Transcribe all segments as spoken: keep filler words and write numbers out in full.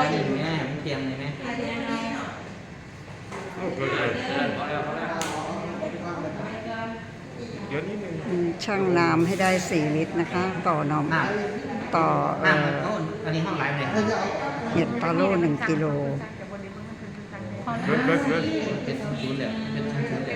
อยหนึ่งแม่มันเตรียมเลยไหมชั่งน้ำให้ได้สี่ลิตรนะคะ ต่อนมต่อเอ่ออันนี้ห้องไลฟ์เลยเห็ดตาโล่หนึ่งกิโลเป็นศูนย์แล้วเป็นศูนย์แล้ว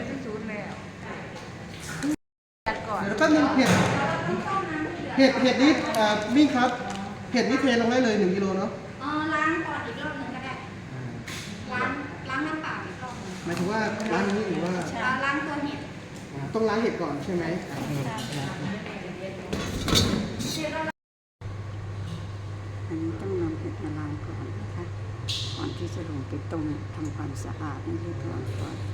แล้วก็มีเห็ดเห็ดเห็ดนี้มิ่งครับเห็ดนี้เทลงได้เลยหนึ่งกิโลเนาะอ๋อล้างก่อนอีกรอบหนึ่งก็ได้ล้างล้างน้ำเปล่าอีกรอบหนึ่งหมายถึงว่าล้างนี้หรือว่าล้างตัวเห็ดต้องล้างเห็ดก่อนใช่ไหมอันนี้ต้องนำเห็ดมาล้างก่อนนะคะก่อนที่จะลงไปต้มทำความสะอาดให้เรียบร้อยก่อน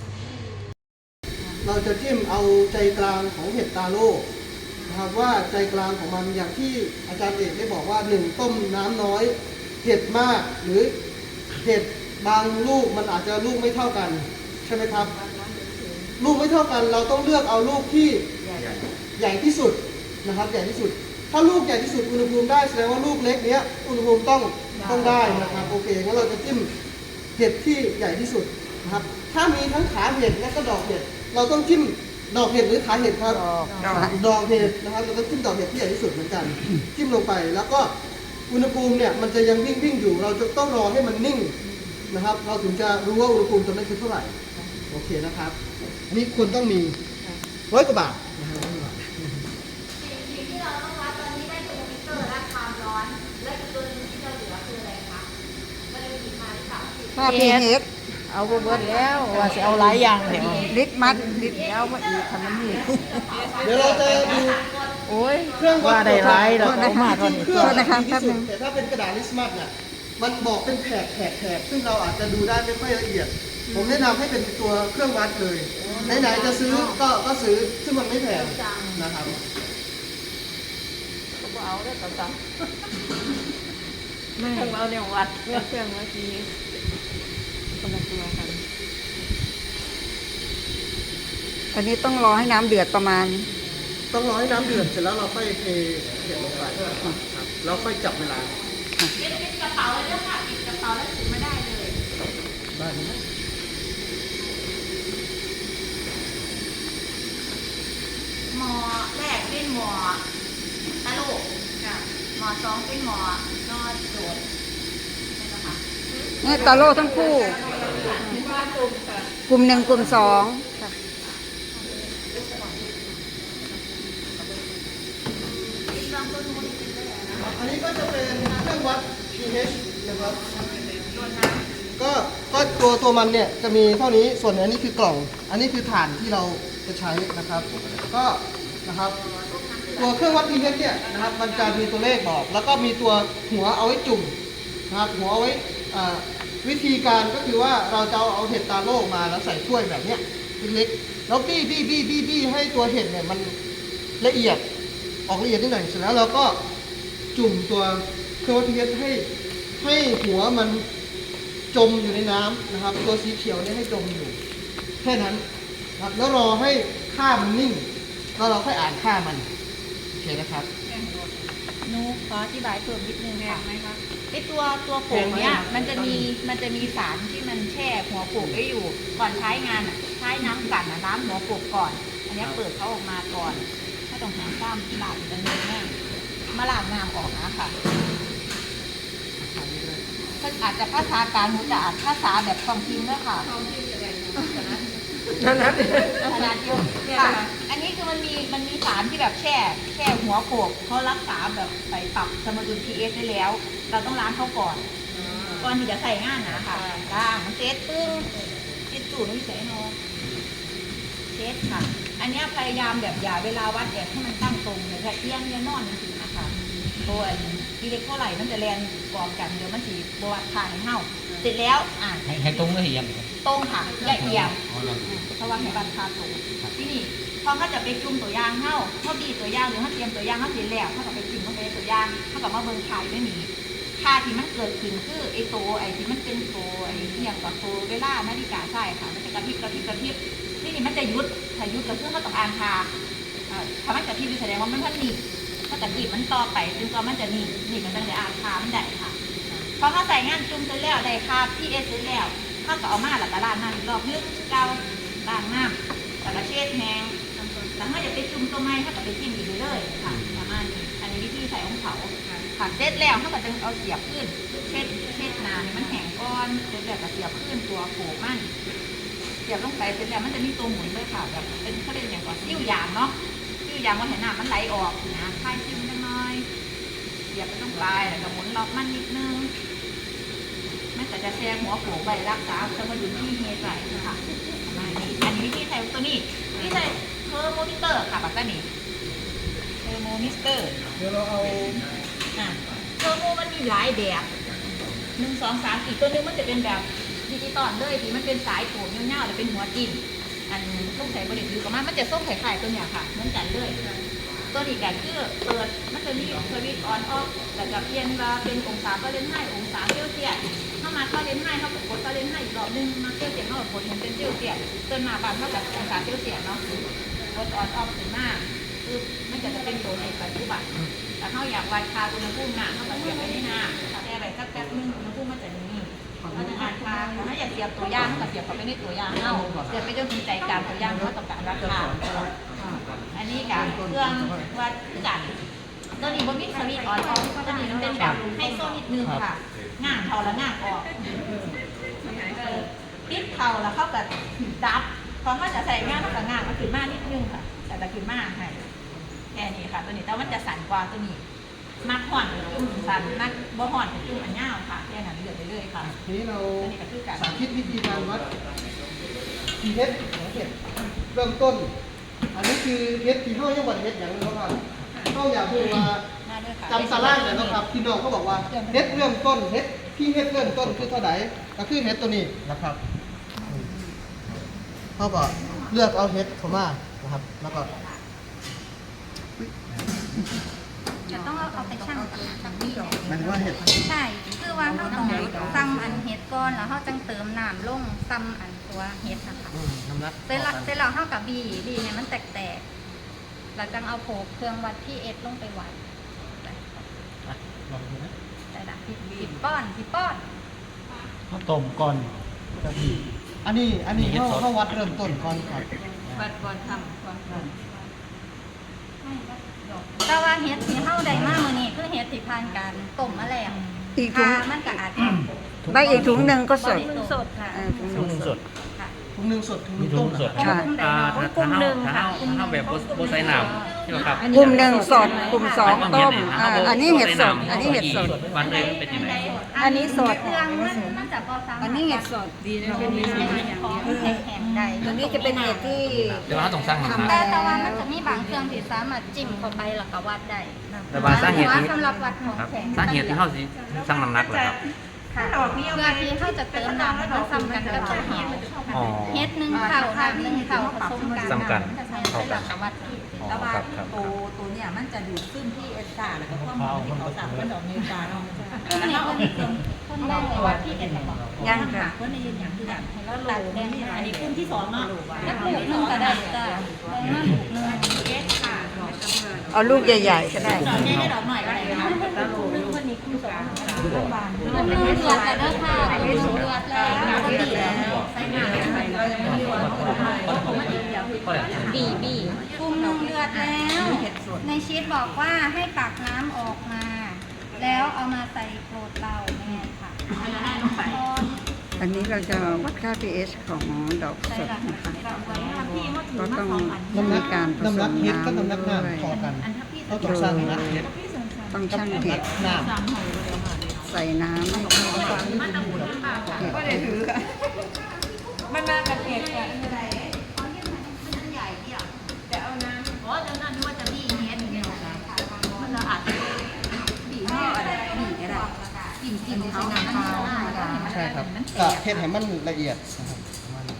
เราจะจิ้มเอาใจกลางของเห็ดตาโล่นะครับว่าใจกลางของมันอย่างที่อาจารย์เอกได้บอกว่าหนึ่งต้มน้ำน้อยเห็ดมากหรือเห็ดบางลูกมันอาจจะลูกไม่เท่ากันใช่ไหมครับลูกไม่เท่ากันเราต้องเลือกเอาลูกที่ใหญ่ที่สุดนะครับใหญ่ที่สุดถ้าลูกใหญ่ที่สุดอุณหภูมิได้แสดงว่าลูกเล็กเนี้ยอุณหภูมิต้องต้องได้นะครับโอเคงั้นเราจะจิ้มเห็ดที่ใหญ่ที่สุดนะครับถ้ามีทั้งขาเห็ดและก็ดอกเห็ดเราต้องจิ้มดอกเห็ดหรือขาเห็ดครับดอกเห็ดนะครับเราต้องจิ้มดอกเห็ดที่ใหญ่ที่สุดเหมือนกันจิ้มลงไปแล้วก็อุณหภูมิเนี่ยมันจะยังวิ่งวิ่งอยู่เราจะต้องรอให้มันนิ่งนะครับเราถึงจะรู้ว่าอุณหภูมิตรงนั้นคือเท่าไหร่โอเคนะครับนี่ควรต้องมีร้อยกว่าบาทสิ่งที่เราต้องวัดตอนนี้ได้เทอร์โมมิเตอร์และความร้อนและอีกตัวนึงที่จะเหลือคืออะไรคะก็เลยมีค่าที่สามสิบค่า พี เอชเอาเบิดแล้วว่าจะเอาหลายอย่างเดี๋ยวลิตรมัดลิตรเอามาอีกทำมันนี่เดี๋ยวเราจะดูโอ้ยเครื่องวัดว่าได้หลายแล้วเอามาตอนนี้เครื่องนะคะที่สุดแต่ถ้าเป็นกระดาษลิสมัสเนี่ยมันบอกเป็นแถบแถบแถบซึ่งเราอาจจะดูได้ไม่ค่อยละเอียดผมแนะนำให้เป็นตัวเครื่องวัดเลยไหนๆจะซื้อก็ก็ซื้อซึ่งมันไม่แพงนะครับก็เอาได้ต่อไม่เครื่องเอาเนี่ยวัดเครื่องเมื่อกี้คนละตัวกันอันนี้ต้องรอให้น้ำเดือดประมาณต้องรอให้น้ำเดือดเสร็จแล้วเราค่อยเทเห็ดลงไปครับแล้วค่อยจับเวลาเป็นกระเป๋าเลยค่ะปิดกระเป๋าแล้วถือไม่ได้เลยได้ไหมหมอแรกเป็นหมอตะลุกหมอสองเป็นหมอนอดโดดนี่ตาโล่ทั้งคู่กลุ่มหนึ่งกลุ่มสองอันนี้ก็จะเป็นเครื่องวัด พี เอช นะครับก็ก็ตัวตัวมันเนี่ยจะมีเท่านี้ส่วนอันนี้คือกล่องอันนี้คือฐานที่เราจะใช้นะครับก็นะครับตัวเครื่องวัด พี เอช เนี่ยนะครับมันจะมีตัวเลขบอกแล้วก็มีตัวหัวเอาไว้จุ่มนะครับหัวเอาไว้วิธีการก็คือว่าเราจะเอาเห็ดตาโล่มาแล้วใส่ถ้วยแบบเนี้ยเล็กๆแล้วบี้บี้บี้บี้บี้ให้ตัวเห็ดเนี่ยมันละเอียดออกละเอียดนิดหน่อยเสร็จแล้วเราก็จุ่มตัวเครื่องวัด พี เอช ให้ให้หัวมันจมอยู่ในน้ำนะครับตัวสีเขียวเนี่ยให้จมอยู่แค่นั้นครับแล้วรอให้ค่ามันนิ่งแล้วเราค่อยอ่านค่ามันโอเคนะครับหนูขออธิบายเพิ่มนิดนึงค่ะไหมคะไอตัวตัวโป่งเนี้ยมันจะมีมันจะมีสารที่มันแช่หัวโป่งไว้อยู่ก่อนใช้งานอ่ะใช้น้ำกันน้ำหัวโป่งก่อนอันนี้เปิดเขาออกมาก่อนถ้าต้องหาซ้ำหลังจะเนื้อแห้งมาล้างน้ำออกนะค่ะอาจจะภาษากลางหรือจะอาจภาษาแบบความพิมพ์ด้วยค่ะนั่นนั่นขนาดเดียวค่ะอันนี้คือมันมีมันมีสารที่แบบแช่แช่หัวโขกเขารักษาแบบไปปรับสมดุล พี เอช ได้แล้วเราต้องล้างเขาก่อนก่อนที่จะใส่งานนะค่ะล้างเช็ดปึ้งเช็ดจู่ไม่ใส่นอนเช็ดค่ะอันนี้พยายามแบบอย่าเวลาวัดแบบให้มันตั้งตรงเลยค่ะเอียงเอียงนอนจริงๆนะคะตัวอีเล็กเท่าไหร่มันจะแรงกองกันเดี๋ยวมันสีบวชทางให้เห่าเสร็จแล้วอ่าให้ตรงเลยยังตรงค่ะอย่าเอียงเพราะว่าให้บัตรคาตรงที่นี่พอเขาจะไปจุ่มตัวย่างเห่าเขาบีตัวย่างหรือเขาเตรียมตัวย่างเขาเสร็จแล้วเขาจะไปจุ่มเขาไปตัวย่างเขากับมาเบิ้งขายไม่มีค่าที่มันเกิดขึ้นคือไอ้โตไอ้ที่มันเป็นโตไอ้ที่อย่างกับโตเวลานาฬิกาใช่ค่ะมันจะกระพริบกระพริบกระพริบที่นี่มันจะยุดถ้ายุดกับเพื่อนเขาต้องอ่านคาถ้ามันกระพริบแสดงว่ามันพันหนีถ้ากระพริบมันต่อไปจนกว่ามันจะหนีหนีมันจะได้อ่านคามันได้ค่ะพอเขาใส่งานจุ่มเสร็จแล้วได้คาพีเอสเสร็จแล้วเขาก็เอามาแล้วก็ล้างน้ำอีกรอบนึงเกาล้างน้ำแล้วก็เช็ดแห้งแล้วเขาจะไปจุ่มตัวไม้เขาก็ไปจิ้มอีกเลยค่ะประมาณนี้อันนี้วิธีใส่ของเขาค่ะเสร็จแล้วเขาก็จะเอาเสียบขึ้นเช็ดเช็ดน้ำให้มันแห้งก้อนเสร็จแล้วก็เสียบขึ้นตัวโขกมันเสียบลงไปเสร็จแล้วมันจะมีตัวหมุนด้วยค่ะแบบเป็นเขาเรียกอย่างก่อนซิ่วยางเนาะซิ่วยางว่าเห็นน้ำมันไหลออกนะคลายซิ่วนิดหน่อยเสียบไปตรงปลายแล้วก็หมุนล็อกมันนิดนึงมันก็จะแทรกหัวโขกใบรักษาสมดุลที่เฮใส่ค่ะอันนี้วิธีใส่ตัวนี้วิธีใส่เทอร์โมมิเตอร์ค่ะแบบนี้เทอร์โมมิเตอร์เดี๋ยวเราเอาอ่ะเทอร์โมมันมีหลายแบบหนึ่งสองสามอีกตัวนึงมันจะเป็นแบบดิจิตอลเลยที่มันเป็นสายโถงเงาๆหรือเป็นหัวจิ้มอันต้องใส่บริเวณคือกับมันมันจะส้มไข่ไข่ตัวเนี้ยค่ะเหมือนกันเลยตัวนี้กันคือเปิดมันจะมีสวิตช์ออนออฟแต่จะเปลี่ยนว่าเป็นองศาก็เล่นให้องศาเซลเซียสถ้ามาเข้าเล่นให้เขากดก็เล่นให้อีกรอบนึงมาเซลเซียสเขากดเห็นเป็นเซลเซียสจนมาบางเท่ากับองศาเซลเซียสเนาะกดออนออฟถึงมากคือมันจะจะเป็นตัวในปัจจุบันแต่เขาอยากวัดค่าอุณหภูมิน้ำเขาก็เสียบไปในน้ำแต่อะไรสักแป๊บนึงอุณหภูมิมันจะนี่เราจะอ่านค่าถ้าอยากเสียบตัวย่างก็เสียบเข้าไปในตัวย่างเอาเสียบไปจนถึงใจกลางตัวย่างเขาต้องการราคาอันนี้กับเครื่องวัดกันตัวนี้บนวิสวิตออนออฟตัวนี้มันเป็นแบบให้โซนิดนึงค่ะง่างเขาแล้วง่างออกปิดเขาแล้วเขาแบบดับพอเขาจะใส่ง่างเขาก็ง่างมันขึ้นมากนิดนึงค่ะแต่จะขึ้นมากให้แค่นี้ค่ะตัวนี้แต่มันจะสั่นกว่าตัวนี้มักห่อนจุ่มสั่นมักบ่ห่อนจุ่มอันยาวค่ะแค่นั้นเลือกไปเลยค่ะทีนี้เราตัวนี้ก็คือการสาธิตวิธีการวัด pH ของเห็ดเริ่มต้น อันนี้คือเห็ดที่ห้ายังวัดเห็ดอย่างนึงครับเขาอยากพูดว่าจำตารางเลยนะครับพี่น้องเขาบอกว่าเห็ดเริ่มต้นเห็ดพี่เห็ดเริ่มต้นคือเท่าไหร่ก็คือเห็ดตัวนี้นะครับเขาก็เลือกเอาเห็ดเข้ามานะครับแล้วก็จะต้องเอาเอาไปชั่งกับนี่หมายถึงว่าเห็ดใช่ คือว่าเขาต้องซ้ำอันเห็ดก่อนแล้วเขาจังเติมน้ำลงซ้ำอันตัวเห็ดนะคะอืมน้ำหนักเสร็จแล้วเสร็จแล้วเขากับบีบีเนี่ยมันแตกๆเราจังเอาโผเครื่องวัดที่เอสลงไปวัดลองดูนะแต่ละผิดผิดป้อนผิดป้อนข้าวต้มก่อนกะทิอันนี้อันนี้เขาเขาวัดเริ่มต้นก่อนครับวัดก่อนทำก่อนทำแต่ว่าเห็ดที่เข้าได้มากมือนี้คือเห็ดที่ผ่านการต้มมาแล้วอีกถุงค่ะมันก็อาจจะใบอีกถุงหนึ่งก็สดสดค่ะเออถุงหถุงนึ่งสดค่ะถุงหนึ่งสดถุงหนึ่งต้มนะค่ะอ่าถ้าถ้าเฮาถ้าเฮาถ้าเฮาแบบโบไซน้ำใช่ไหมครับกลุ่มหนึ่งสดกลุ่มสองต้มอ่าอันนี้เห็ดสด อันนี้เห็ดสดวันเลยมันเป็นยังไงอันนี้สดเครื่องมันมันจะพอซ้ำอันนี้เห็ดสดของแข็งๆได้ตัวนี้จะเป็นเห็ดที่เดี๋ยวเราต้องสร้างมันทำแต่แต่ว่ามันจะมีบางเครื่องที่สามารถจิ้มเข้าไปแล้วก็วัดได้แต่ว่าสาเหตุที่สำหรับวัดของครับแข็งสาเหตุที่เขาสิสร้างน้ำหนักเหรอครับค่ะเพื่อที่เขาจะเติมน้ำให้มันซ้ำกันกับตัวเฮ็ดอ๋อเฮ็ดหนึ่งเข่าน้ำหนึ่งเข่าผสมกันซ้ำกันเข้ากันวัดที่อ๋อแล้วว่าครับครับตัวตัวเนี่ยมันจะดูดซึมที่เอสตาแล้วก็ข้อมูลที่เขาสั่งเพื่อนดอกเมกาเนาะแล้วเขาเอาเครื่องพ่นได้วัดที่เอสตาบอกยังค่ะเพื่อนในยืนอย่างที่แบบแล้วโหลเนี่ยอันนี้คุ้มที่สองเนาะแล้วปลูกหนึ่งก็ได้จ้ะได้มาปลูกหนึ่งเอสค่ะเอาลูกใหญ่ๆก็ได้ดอกนี้ได้ดอกหน่อยอะไรนะคะแล้วโหลนึงคนนี้คุ้มสองบานมันเลือดแต่เด้อค่ะเลือดเลือดแล้วก็ดีแล้วใส่น้ำใส่บีบีปรุงนมเลือดแล้ว ในชีตบอกว่าให้ตักน้ำออกมา แล้วเอามาใส่โกรธเราแม่ค่ะอันนี้เราจะวัดค่า pH ของดอกสดนะคะก็ต้องน้ำหนัมีกการผน้ำสหนักมเห็ดก็น้ำน้ำหนักด้วยน้ำพอกันเขาต้องสร้างน้ำหนักเห็ดต้องกับชั่งน้ำหเห็นัดกน้ใส่น้ำให้เข้ากันเห็ดมันมากับเห็ดอ่ะแต่เอาน้ำอ๋อจะนั่นนึกว่าจะบี้เฮ็ดเนี่ยมันจะอาจจะบี้ห่ออะไรบี้ก็ได้กินกินใช้น้ำเปล่าำใช่ครับก็เห็ดให้มันละเอียดนะครับประมาณนี้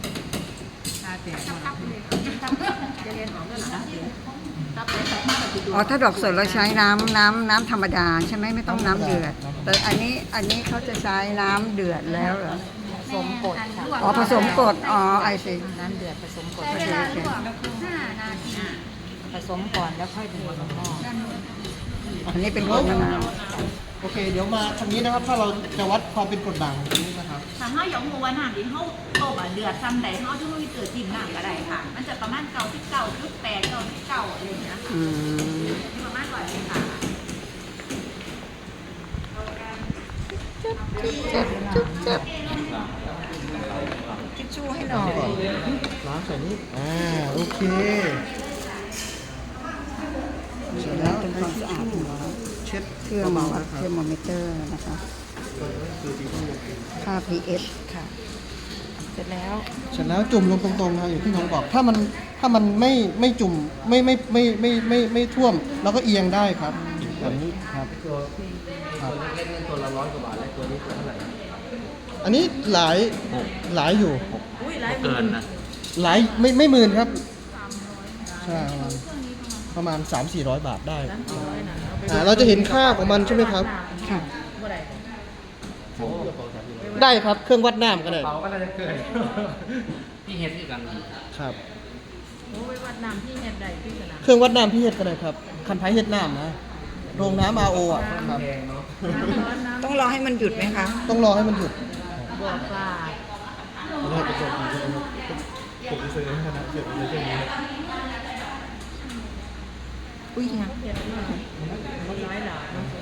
อ๋อถ้าดอกสดเราใช้น้ำน้ำน้ำธรรมดาใช่ไหมไม่ต้องน้ำเดือด แต่อันนี้อันนี้เขาจะใช้น้ำเดือดแล้วเหรอผสมกดค่ะอ๋อผสมกรดอ๋อไอซีน้ำเดือดผสมกดใช้เวลาลวกห้านาทีผสมก่อนแล้วค่อยถึงผสมหม้ออันนี้เป็นกรดมะนาวโอเค เดี๋ยวมาทางนี้นะครับ ถ้าเราจะวัดความเป็นกรดด่างตรงนี้นะครับถ้าเฮาอยากรู้ว่าน้ำที่เฮาต้มอ่ะเดือดซ้ำใดเฮาจะมีเกิดจิ้มน้ำก็ได้ค่ะ มันจะประมาณเก้าสิบเก้าจุดแปดเก้าสิบเก้าอะไรอย่างเงี้ยค่ะอืมประมาณร้อยเลยค่ะเจ็บเจ็บเจ็บทิชชู่ให้หน่อยล้างใส่นี้อ่า โอเค เสร็จแล้วทำความสะอาดหัวเช็ดเครื่องเบาวัๆดนะคเทรัอบ ร์โมมิเตอร์นะคะคือสีม่วงค่า pH ค่ะ เสร็จแล้วเสร็จแล้วจุ่มลงตรงๆนะอย่างที่น้องบอก ถ้ามันถ้ามันไม่ไม่จุ่มไม่ไม่ไม่ไม่ไม่ไม่ไม่ท่วมเราก็เอียงได้ครับแบบนี้ครับตัวครับเล็กๆนี่ตัวละร้อยกว่าบาทแล้วตัวนี้ตัวเท่าไหร่อันนี้หลายหกหลายอยู่เกินนะหลายไม่ไม่หมื่นครับใช่ประมาณประมาณสามสี่ร้อยบาทได้อ่าเราจะเห็นค่าของมันใช่ไหมครับค่ะได้ครับเครื่องวัดน้ำก็ได้เบาก็น่าจะเกินพี่เฮ็ดด้วยกันครับโอ้ยวัดน้ำที่เฮ็ดใดที่สนามเครื่องวัดน้ำพี่เฮ็ดก็ได้ครับคันไผเฮ็ดน้ำนะโรงน้ำอาโออ่ะครับแพงเนาะน้ำร้อนน้ำต้องรอให้มันหยุดไหมคะต้องรอให้มันหยุดบัวปลานี่กระจกผมจะซื้อให้นะเก็บไว้ในนี้อุ้ยนะเฮ็ดมากมันร้อยหลาเนาะ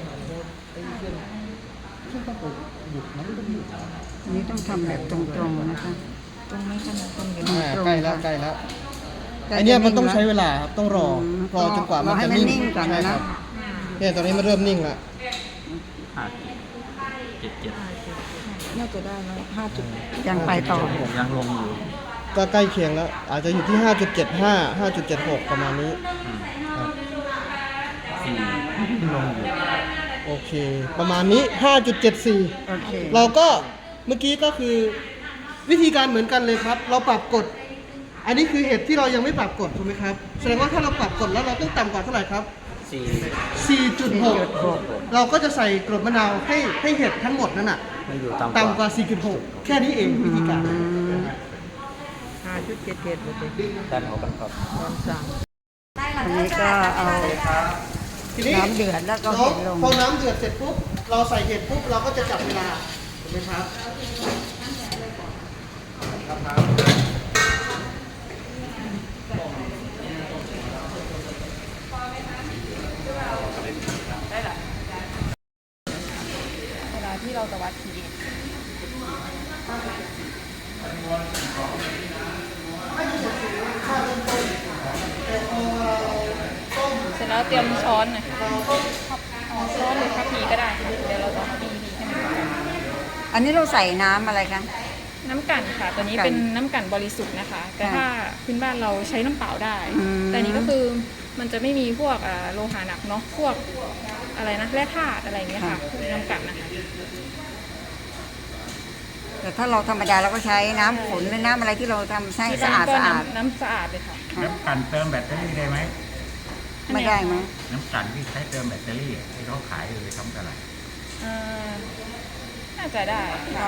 หยุดนะไม่ต้องหยุดอันนี้ต้องทำแบบตรงๆนะคะตรงนี้ขนาดคนเห็นอ่าตรงใกล้แล้วค่ะใกล้แล้วใกล้อันเนี้ยมันจะต้องแล้วใช้เวลาครับต้องรออืมรอจนกว่ามันรอให้จะมันนิ่งนิ่งก่อนนะใช่ครับเนี่ยตอนนี้มันเริ่มนิ่งแล้วห้าเจ็ดเจ็ดน่าจะได้แล้วห้าจุดยังไปต่อผมยังลงอยู่ก็ใกล้เคียงแล้ว อาจจะอยู่ที่ ห้าจุดเจ็ดห้า ห้าจุดเจ็ดหก ประมาณนี้ครับสี่ลงอยู่โอเค ประมาณนี้ ห้าจุดเจ็ดสี่โอเคเราก็เมื่อกี้ก็คือวิธีการเหมือนกันเลยครับ เราปรับกฎ อันนี้คือเห็ดที่เรายังไม่ปรับกฎถูกไหมครับ แสดงว่าถ้าเราปรับกฎแล้วเราต้องต่ำกว่าเท่าไหร่ครับสี่สี่จุดหก เราก็จะใส่กรดมะนาวให้ให้เห็ดทั้งหมดนั่นน่ะมันอยู่ต่ำกว่าต่ำกว่า สี่จุดหก แค่นี้เองวิธีการห้าจุดเจ็ดเจ็ดโอเคด้านหัวกันครับตอนสั่งอันนี้ก็เอาทีนี้น้ำเดือดแล้วก็เราเห็ดลงพอน้ำเดือดเสร็จปุ๊บ เราใส่เห็ดปุ๊บ เราก็จะจับเวลาถูกไหมครับเวลาที่เราจะวัด pH เสร็จแล้วเตรียมช้อนหน่อยเอาช้อนหรือคัพพีก็ได้ เดี๋ยวเราจะเอาบีบีให้มันเข้ากันอันนี้เราใส่น้ำอะไรคะน้ำกั่นค่ะ ตัวนี้กั่นเป็นน้ำกั่นบริสุทธิ์นะคะ แต่ค่ะถ้าพื้นบ้านเราใช้น้ำเปล่าได้อืมแต่อันนี้ก็คือมันจะไม่มีพวกอ่าโลหะหนักเนาะ พวกอะไรนะแร่ธาตุอะไรอย่างเงี้ยค่ะน้ำกั่นนะคะแต่ถ้าเราธรรมดาเราก็ใช้น้ำฝนหรือน้ำอะไรที่เราทำให้ที่สะบ้าอาน ดก็สะอาดน้ำน้ำสะอาดเลยค่ะค่ะน้ำกันเติมแบตเตอรี่ได้ไหมไม่ได้ไหมน้ำกันที่ใช้เติมแบตเตอรี่ที่เขาขายอยู่ในท้องตลาดเอ่อน่าจะได้ได้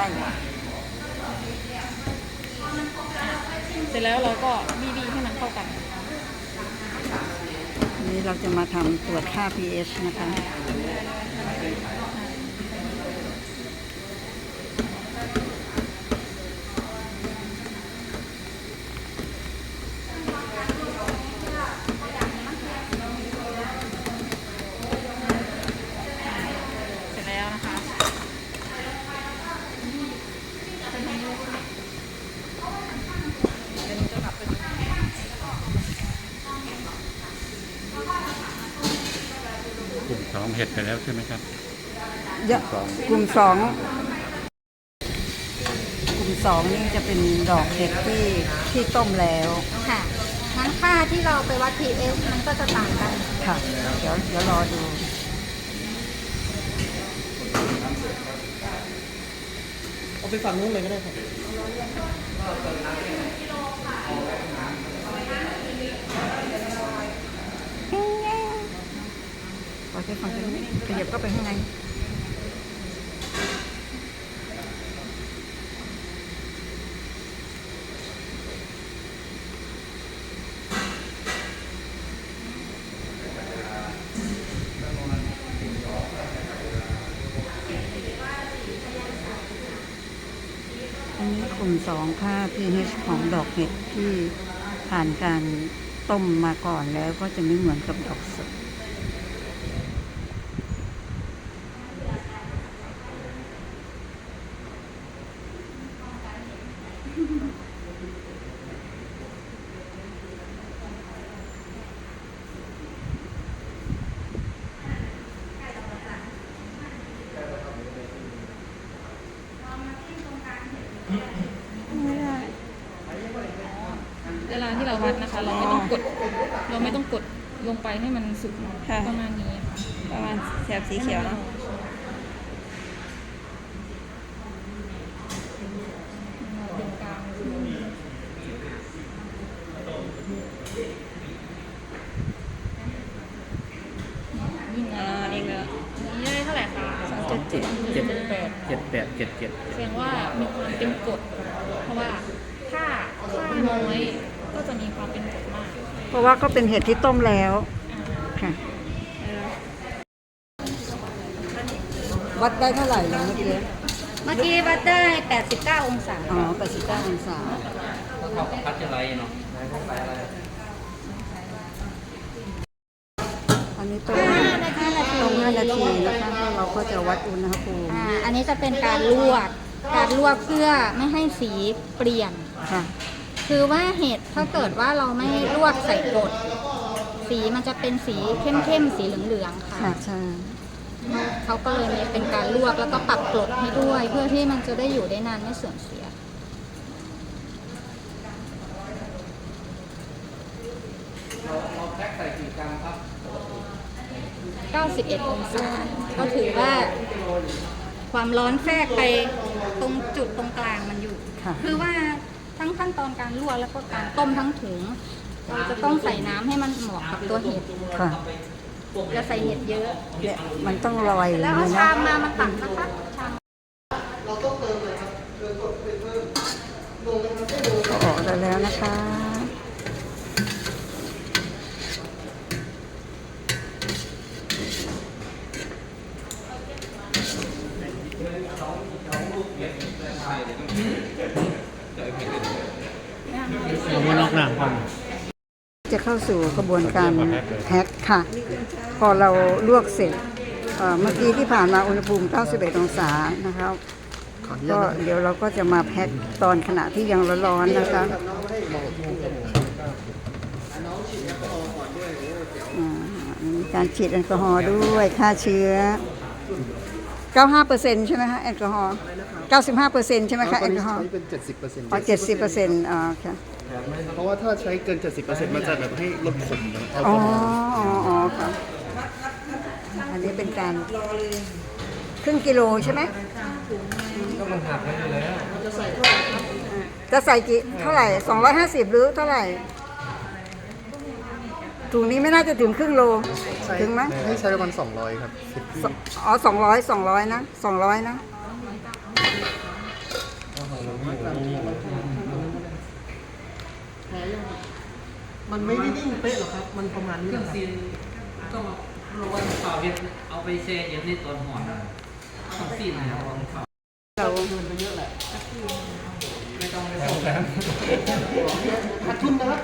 เสร็จแล้วเราก็บีบีให้มันเข้ากันอันนี้เราจะมาทำตรวจค่า pH นะคะเสร็จแล้วนะคะ เดี๋ยวหนูจะกลับไปดูกลุ่มสองเห็ดไปแล้วใช่ไหมครับเยอะกลุ่มสองกลุ่มสองนี่จะเป็นดอกเห็ดที่ที่ต้มแล้วค่ะงั้นค่าที่เราไปวัด pH มันก็จะต่างกันค่ะ เดี๋ยวเดี๋ยวรอดูเอาไปฝั่งนู้นเลยก็ได้ครับขอใช้ฟังกันขยับก็ไปข้างในอันนี้กลุ่มสองค่า พี เอช ของดอกเห็ดที่ผ่านการต้มมาก่อนแล้วก็จะไม่เหมือนกับดอกสดเวลาที่เราวัดนะคะ เราไม่ต้องกด เราไม่ต้องกดลงไปให้มันสุดค่ะประมาณนี้ค่ะประมาณแถบสีเขียวเนาะเป็นกลางนี่ไงอ่านี่ก็นี่ได้เท่าไหร่คะสองจุดเจ็ดเจ็ดแปดเจ็ดแปดเจ็ดเจ็ดแสดงว่ามีความเป็นกรดเพราะว่าถ้าค่าน้อยก็จะมีความเป็นกรดมากเพราะว่าก็เป็นเห็ดที่ต้มแล้วอ่าค่ะ วัดได้เท่าไหร่นะเมื่อกี้เมื่อกี้วัดได้แปดสิบเก้าองศาอ๋อแปดสิบเก้าองศาก็เท่ากับพัชไรเนาะอันนี้ต้มต้มห้านาทีนะคะแล้วเราก็จะวัดอุณหภูมิอ่าอันนี้จะเป็นการลวก การลวกเพื่อไม่ให้สีเปลี่ยนค่ะคือว่าเห็ดถ้าเกิดว่าเราไม่ลวกใส่กรดสีมันจะเป็นสีเข้มๆสีเหลืองๆค่ะค่ะใช่เขาก็เลยมีเป็นการลวกแล้วก็ปรับกรดให้ด้วย เพื่อที่มันจะได้อยู่ได้นานไม่เสื่อมเสียเราแพ็คใส่กี่กรัมครับเก้าสิบเอ็ดองศาก็ถือว่าความร้อนแทรกไปตรงจุดตรงกลางมันอยู่ค่ะคือว่าทั้งขั้นตอนการลวกแล้วก็การต้มทั้งถุงเราจะต้องใส่น้ำให้มันเหมาะกับตัวเห็ดค่ะอย่าใส่เห็ดเยอะเนี่ยมันต้องลอยอย่างแล้วเอานี้ชานะมมามาตักนะคะชามเราต้องเติมเลยครับเติมกดเป็นเพิ่มลงนะครับไม่ลงก็ออกได้แล้วนะคะเราไม่นอกหนังก่อนจะเข้าสู่กระบวนการแพ็คค่ะ พอเราลวกเสร็จเอ่อเมื่อกี้ที่ผ่านมาอุณหภูมิ เก้าสิบเอ็ด องศานะครับ ก็เดี๋ยวเราก็จะมาแพ็คตอนขณะที่ยังร้อนๆนะคะอ่ามีการฉีดแอลกอฮอล์ด้วยฆ่าเชื้อ เก้าสิบห้าเปอร์เซ็นต์ ใช่ไหมคะแอลกอฮอล์ เก้าสิบห้าเปอร์เซ็นต์ ใช่ไหมคะแอลกอฮอล์ใช้เป็น เจ็ดสิบเปอร์เซ็นต์อ๋อเจ็ดสิบเปอร์เซ็นต์อ๋อค่ะเพราะว่าถ้าใช้เกิน เจ็ดสิบเปอร์เซ็นต์ มันจะแบบให้ลดขมนะครับอ๋ออ๋ออ๋อค่ะ อันนี้เป็นการครึ่งกิโลใช่ไหมก็มันหักไปแล้วจะใส่กี่เท่าไหร่สองร้อยห้าสิบหรือเท่าไหร่ ถุงนี้ไม่น่าจะถึงครึ่งโล ถึงไหมให้ใช้ประมาณสองร้อยครับสอ๋อสองร้อยสองร้อยนะสองร้อยนะมันไม่ได้นิ่งเป๊ะหรอกครับ มันประมาณนี้เครื่องครับซีนต้องรู้ว่าเปล่าเย็นเอาไปแช่เย็นในตอนห่อนต้องซีนนะครับเราขาดทุนนะครับ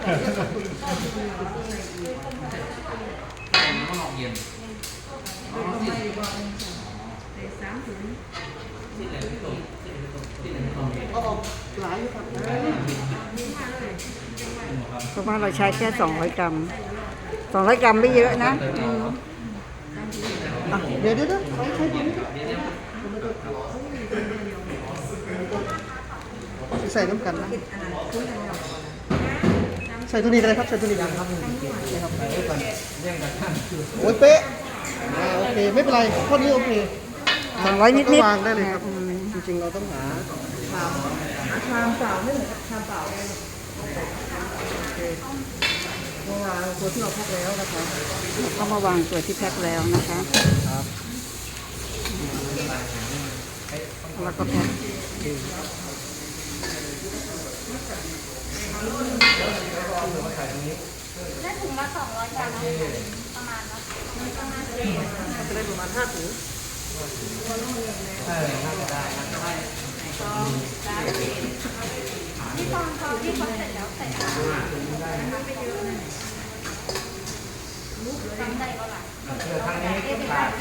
มันก็ลองเย็นอ๋อซีนซีนเลยไม่ตรงซีนเลยไม่ตรงเอาออกหลายอยู่ครับเพราะว่าเราใช้แค่สองร้อยกรัมสองร้อยกรัมไม่เยอะนะอืมอ่ะเดี๋ยวเดี๋ยวเดี๋ยวใช้ใช้ตัวนี้ใส่น้ำกันนะ ใส่ตัวนี้กันเลยครับ ใส่ตัวนี้กันครับนี่ครับใส่ด้วยกันโอ้ยเป๊ะอ่าโอเค ไม่เป็นไรข้อนี้โอเคสองร้อยนิดๆก็วางได้เลยครับอืมจริงๆ เราต้องหาชามหาชามเปล่าไม่เหมือนกับชามเปล่าเลยโอเคก็วางตัวที่เราพักแล้วนะคะก็มาวางตัวที่แพ็คแล้วนะคะครับแล้วก็แพ็คได้ถุงละสองร้อยกรัมประมาณเนาะจะได้ประมาณห้าถุงใช่น่าจะได้น่าจะได้ทางนี้ก็ขาด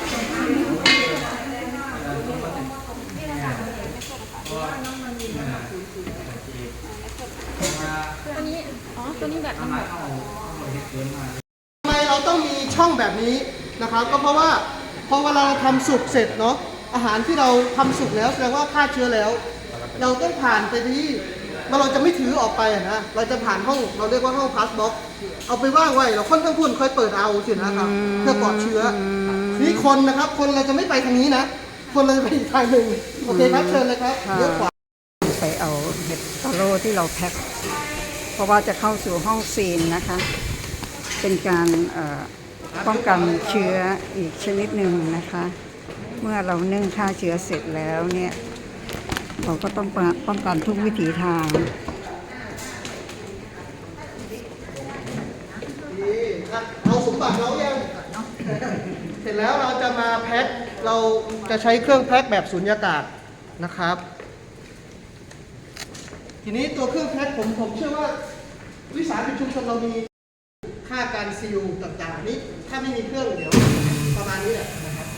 ตัวนี้ อ๋อ ตัวนี้แบบมันแบบทำไมเราต้องมีช่องแบบนี้นะครับ ก็เพราะว่าพอเวลาเราทำสุกเสร็จเนาะอาหารที่เราทำสุกแล้วแสดงว่าฆ่าเชื้อแล้ว เราต้องผ่านไปที่เราจะไม่ถือออกไปอะนะเราจะผ่านห้องเราเรียกว่าห้องพาสบ็อกเอาไปว่างไว้เราค่อนข้างพุ่นค่อยเปิดเอาสินะครับเพื่อปลอดเชื้อนี่คนนะครับคนเราจะไม่ไปทางนี้นะ คนเราจะไปอีกทางหนึ่งโอเคครับเชิญเลยครับเลี้ยวขวาไปเอาเห็ดตาโร่ที่เราแพ็คเพราะว่าจะเข้าสู่ห้องซีนนะคะ เป็นการเอ่อป้องกันเชื้ออีกชนิดหนึ่งนะคะ เมื่อเรานึ่งฆ่าเชื้อเสร็จแล้วเนี่ยเราก็ต้องป้องกันทุกวิถีทางนี่ครับเอาสมบัติเรายังเสร็จแล้วเราจะมาแพ็คเราจะใช้เครื่องแพ็คแบบสุญญากาศนะครับ ทีนี้ตัวเครื่องแพ็คผมผมเชื่อว่าวิสาหกิจชุมชนเรามีค่าการซีลต่างๆนี้ถ้าไม่มีเครื่องเดี๋ยวประมาณนี้แหละนะครับ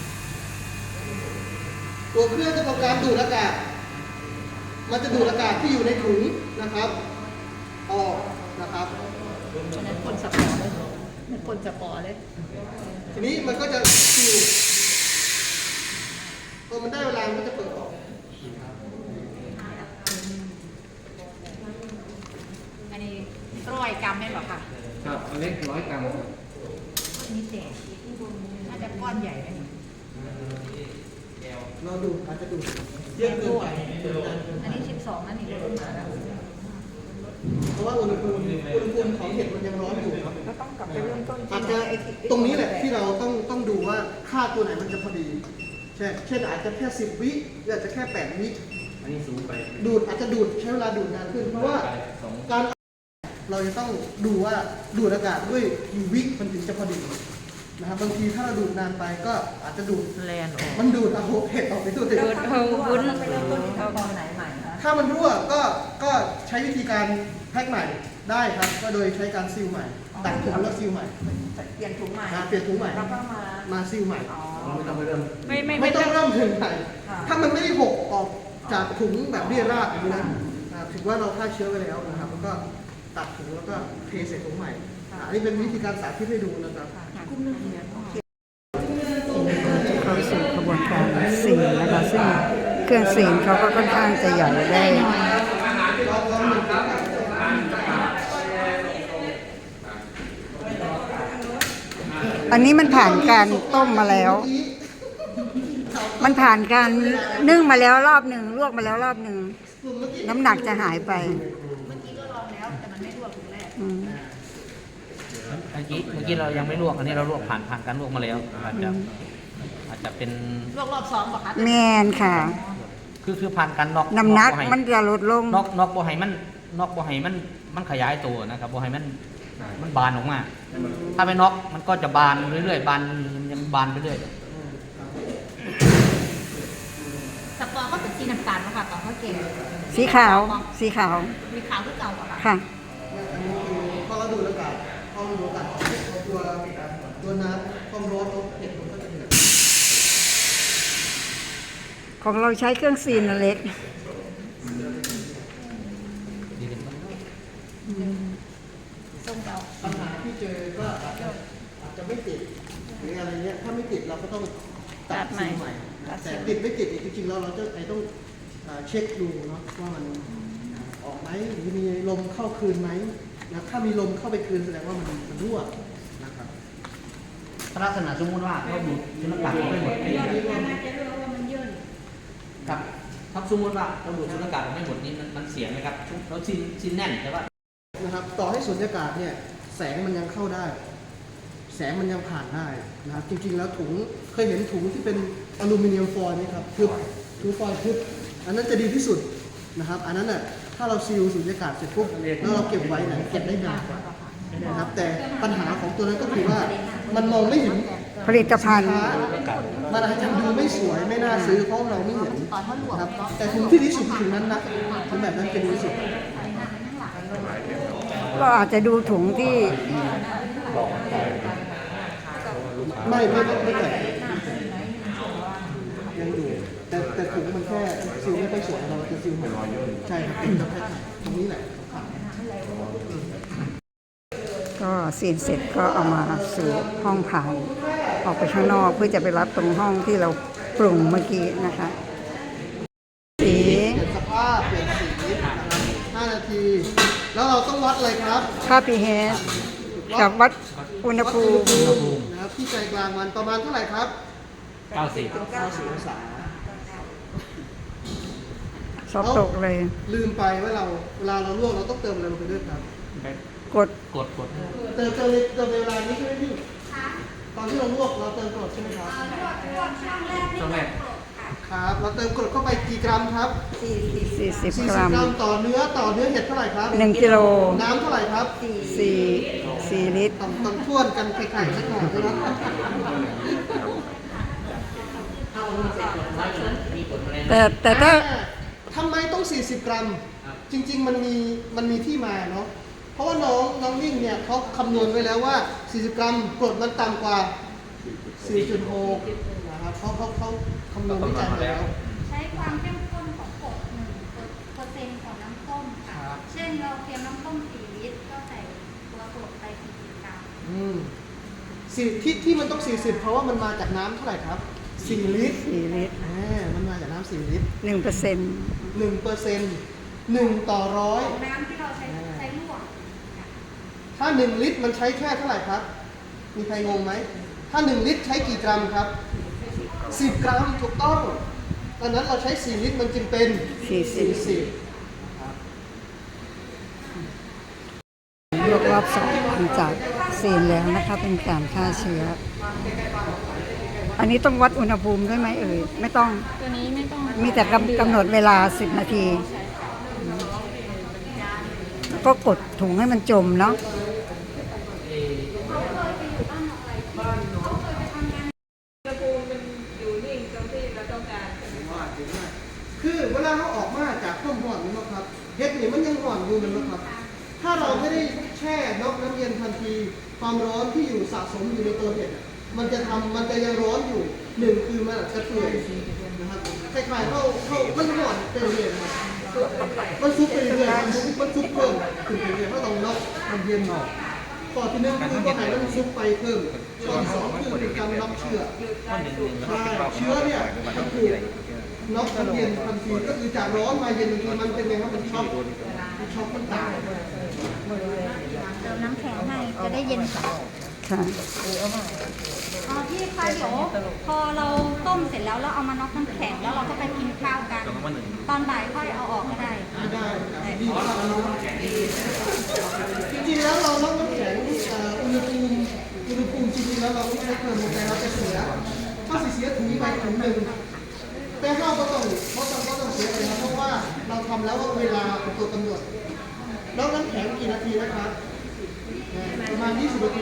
ตัวเครื่องจะทำการดูดอากาศมันจะดูดอากาศที่อยู่ในถุงนะครับออกนะครับฉะนั้นคนสปอร์เลยเหมือนคนสปอร์เลยทีนี้มันก็จะซีลพอมันได้เวลามันก็จะเปิดออกอันนี้ร้อยกรัมแม่นหรอคะครับเล็กร้อยกรัมนี่แต่น่าจะก้อนใหญ่ไหมเราดูอาจจะดูเยอะเกินไปอันนี้สิบสองนั่นนี่ลดมาแล้วเพราะว่าอุณหภูมิอุณหภูมิของเห็ดมันยังร้อนอยู่ครับก็ต้องกลับไปเริ่มต้นอาจจะตรงนี้แหละที่เราต้องต้องดูว่าค่าตัวไหนมันจะพอดีเช่นเช่นอาจจะแค่สิบวิหรืออาจจะแค่แปดวิอันนี้สูงไปดูดอาจจะดูดใช้เวลาดูดนานขึ้น เพราะว่าการเราจะต้องดูว่าดูดอากาศด้วยกี่วิมันถึงจะพอดีนะครับบางทีถ้าเราดูดนานไปก็อาจจะดูดแลนออกมันดูดเอาเห็ดออกไปด้วยดูดเอาวุ้นเอาตอนไหนใหม่คะถ้ามันรั่วก็ก็ใช้วิธีการแพ็คใหม่ได้ครับ ก็โดยใช้การซีลใหม่ตัดถุงแล้วซีลใหม่เปลี่ยนถุงใหม่อ่าเปลี่ยนถุงใหม่แล้วก็มามาซีลใหม่ไม่ต้องไปเริ่มไม่ไม่ไม่ไม่ต้ต้ออง งเริ่มถึงใหม่ถ้ามันไม่ได้หกออกจากถุงแบบเรียราดอย่างนี้นะอ่าถือว่าเราฆ่าเชื้อไว้แล้วนะครับแล้วก็ตัดถุงแล้วก็เทใส่ถุงใหม่อ่าอันนี้เป็นวิธีการสาธิตให้ดูนะครับเข้าสู่กระบวนการซีนนะคะซึ่งเครื่องซีนเขาก็ค่อนข้างจะใหญ่ได้อันนี้มันผ่านการต้มมาแล้ว มันผ่านการนึ่งมาแล้วรอบหนึ่งลวกมาแล้วรอบหนึ่งน้ำหนักจะหายไปเมื่อกี้ก็ลองแล้วแต่มันไม่รั่วถุงแรกอืมเมื่อกี้เมื่อกี้เรายังไม่ลวกอันนี้เราลวกผ่านผ่านการลวกมาแล้วอาจจะอาจจะเป็นลวกรอบสองป่ะคะแมนค่ะคือคือผ่านการน็อกน้ำหนักบ่ให้มันจะลดลงน็อกน็อกบ่ให้มันน็อกบ่ให้มันมันขยายตัวนะครับบ่ให้มันมันบานออกมา ถ้าไม่น็อกมันก็จะบานเรื่อยๆบานยังบานไปเรื่อยสปอร์ก็เป็นสีน้ำตาลป่ะคะตอนเขาเก่งสีขาวสีขาวมีขาวคือเก่าป่ะคะค่ะอันนี้คือพอเราดูดอากาศพอเราดูดอากาศเอาตัวตัวน้ำความร้อนเอาเห็ดมันก็จะเดือดของเราใช้เครื่องซีนอันเล็กส้มเก่าปัญหาที่เจอก็อาจจะอาจจะไม่ติดหรืออะไรเงี้ยถ้าไม่ติดเราก็ต้องตัดซีลใหม่นะแต่ติดไม่ติดจริงๆแล้วเราจะไอต้องอ่าเช็คดูเนาะว่ามันออกไหมหรือมีลมเข้าคืนไหมนะถ้ามีลมเข้าไปคืนแสดงว่ามันมันรั่วนะครับลักษณะสมมุติว่าเราดูดสุญญากาศออกไม่หมดนี่ครับถ้าสมมติว่าเราดูดสุญญากาศออกไม่หมดนี่มันมันเสียไหมครับเราชินชินแน่นแต่ว่านะครับต่อให้สุญญากาศเนี่ยแสงมันยังเข้าได้ แสงมันยังผ่านได้นะครับจริงๆแล้วถุงเคยเห็นถุงที่เป็นอลูมิเนียมฟอยล์ไหมครับทึบถุงฟอยล์ทึบอันนั้นจะดีที่สุดนะครับอันนั้นน่ะถ้าเราซีลสุญญากาศเสร็จปุ๊บแล้วเราเก็บไว้เนี่ยเก็บได้นานกว่านะครับแต่ปัญหาของตัวนั้นก็คือว่ามันมองไม่เห็นผลิตภัณฑ์สินค้ามันอาจจะดูไม่สวยไม่น่าซื้อเพราะเราไม่เห็นนะครับแต่ถุงที่ดีที่สุดคือถุงนั้นนะถุงแบบนั้นจะดีที่สุดก็อาจจะดูถุงที่ไม่ไม่ไม่ไม่แตกยังอยู่แต่แต่ถุงมันแค่ซิลไม่ค่อยสวยเราจะซิลใหม่ใช่ครับเป็นกระแพงตรงนี้แหละก็ซีนเสร็จก็เอามาสู่ห้องผ่านออกไปข้างนอกเพื่อจะไปรับตรงห้องที่เราปรุงเมื่อกี้นะคะสีเปลี่ยนสภาพเปลี่ยนสีนะครับห้านาที แล้วเราต้องวัดอะไรครับค่า pH กับวัดอุณหภูมินะครับที่ใจกลางมันประมาณเท่าไหร่ครับเก้าสิบเก้าสิบองศาสอบตกเลยลืมไปว่าเราเวลาเราลวกเราต้องเติมอะไรลงไปด้วยครับกดกดกดเติมเติมในเติมในเวลานี้ใช่ไหมพี่ตอนที่เราลวกเราเติมกรดใช่ไหมครับช่วงแรกครับเราเติมกรดเข้าไปกี่กรัมครับสี่สิบสี่สิบกรัมกรัมต่อเนื้อต่อเนื้อเห็ดเท่าไหร่ครับหนึ่งกิโลน้ำเท่าไหร่ครับสี่สี่ลิตรต้องต้องท่วนกันไข่ๆสักหน่อยนะครับแต่แต่ถ้าทำไมต้อง สี่สิบ กรัม จริง ๆ มันมีมันมีที่มาเนาะเพราะว่าน้องน้องนิ่งเนี่ยเขาคำนวณไว้แล้วว่า สี่สิบ กรัมกรดมันต่ำกว่า สี่จุดหก นะครับเขาเขาเขาคำนวณวิจัยมาแล้วใช้ความเข้มข้นของกรดหนึ่งเปอร์เซ็นต์ของน้ำต้มค่ะครับเช่นเราเตรียมน้ำต้มสี่ลิตรก็ใส่ตัวกรดไปสี่สิบกรัมอืมสี่ที่ที่มันต้อง สี่สิบ เพราะว่ามันมาจากน้ำเท่าไหร่ครับ สี่ ลิตรสี่ลิตรอ่ามันมาจากน้ำสี่ลิตรหนึ่งเปอร์เซ็นต์หนึ่งเปอร์เซ็นต์หนึ่งต่อร้อยของน้ำที่เราใช้ใช้ลวกถ้าหนึ่งลิตรมันใช้แค่เท่าไหร่ครับ มีใครงงไหม ถ้าหนึ่งลิตรใช้กี่กรัมครับ สิบ กรัมถูกต้องดังนั้นเราใช้สี่ลิตรมันจึงเป็นสี่สิบสิบลวกรอบสองหลังจากซีนแล้วนะคะเป็นการฆ่าเชื้อ อันนี้ต้องวัดอุณหภูมิด้วยไหมเอ่ย ไม่ต้องตัวนี้ไม่ต้องมีแต่กำกำหนดเวลาสิบนาที แล้วก็กดถุงให้มันจมเนาะคือเวลาเขาออกมาจากต้มห่อนนี่นะครับเห็ดนี่มันยังห่อนอยู่มันนะครับ ถ้าเราไม่ได้แช่นอกน้ำเย็นทันทีความร้อนที่อยู่สะสมอยู่ในตัวเห็ดอะมันจะทำมันจะยังร้อนอยู่หนึ่งคือมันอาจจะเปื่อยนะครับคล้ายๆเข้าเข้ามันห่อนไปเรื่อยๆนะครับมันซุกไปเรื่อยๆมันซุกมันซุกเพิ่มขึ้นไปเรื่อยๆเพราะต้องนอกมันเย็นออกข้อที่หนึ่งคือว่าให้มันซุกไปเพิ่มข้อที่สองคือการรับเชื้อใช่เชื้อเนี่ยมันถูกน็อกมันเย็นทันทีก็คือจากร้อนมาเย็นทันทีมันเป็นไงครับมันช็อกมันช็อกมันตายเติมน้ำแข็งให้จะได้เย็นกว่าค่ะอ๋อพี่คะเดี๋ยวพอเราต้มเสร็จแล้วเราเอามาน็อกน้ำแข็งแล้วเราก็ไปกินข้าวกัน ตอนบ่ายค่อยเอาออกก็ได้ไม่ได้ดีกว่าจริงๆแล้วเราล็อกน้ำแข็งเอ่ออุณหภูมิอุณหภูมิจริงๆแล้วเราไม่ใช้เพิ่มลงไปเราจะเสียถ้าเสียถุงไปถุงหนึ่งแต่เราก็ต้องเพราะต้องก็ต้องเสียเลยนะเพราะว่าเราทำแล้วว่าเวลาเป็นตัวกำหนดล็อกน้ำแข็งกี่นาทีนะครับประมาณยี่สิบนาที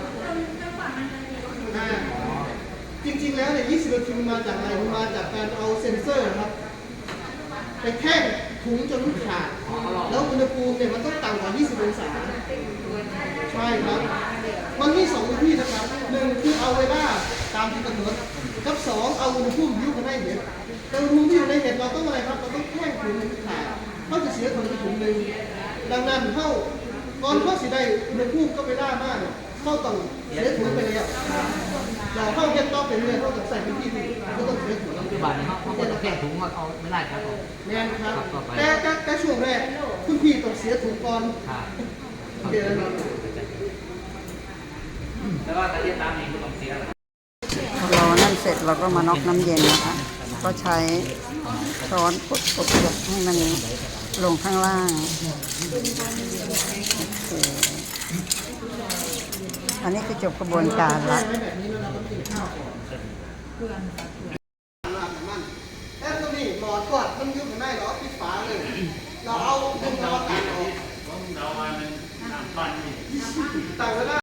อ่าจริงๆแล้วเนี่ยยี่สิบนาทีมันมาจากอะไรมันมาจากการเอาเซ็นเซอร์ครับไปแท่งถุงจนมันขาดแล้วอุณหภูมิเนี่ยมันต้องต่ำกว่ายี่สิบองศาใช่ครับมันมีสองวิธีนะครับหนึ่งคือเอาเวลาตามที่กำหนดกับสองเอาอุณหภูมิที่อยู่ในเห็ดแต่อุณหภูมิที่อยู่ในเห็ดเราต้องอะไรครับเราต้องแท่งถุงให้มันขาดเขาจะเสียถุงไปถุงหนึ่งดังนั้นเข้าก่อนเข้าสิได้อุณหภูมิก็เวลามากเข้าต้องเสียถุงไปแล้วเราเข้าเย็นต่อเป็นเลยเข้าต้องใส่เป็นที่ถุงก็ต้องเสียถุงปัจจุบันนี้เขาเขาก็จะแค่ถุงมาเอาไม่ได้ครับผมแม่นครับครับต่อไปแต่แต่แต่ช่วงแรกคุณพี่ต้องเสียถุงก่อนค่ะเดี๋ยวนะแต่ว่าการเรียนตามเองก็ต้องเสียรอนั่นเสร็จเราก็มาน็อกน้ำเย็นนะคะ ก็ใช้ช้อนกดกดกดให้มันลงข้างล่างโอเคอันนี้คือจบกระบวนการละแบบนี้แล้วเราต้องกินข้าวก่อนแต่ตัวนี้หลอดกดมันยุบไม่ได้หรอปิดฝาเลย เราเอาดึงเราอากาศออกต่างเวลา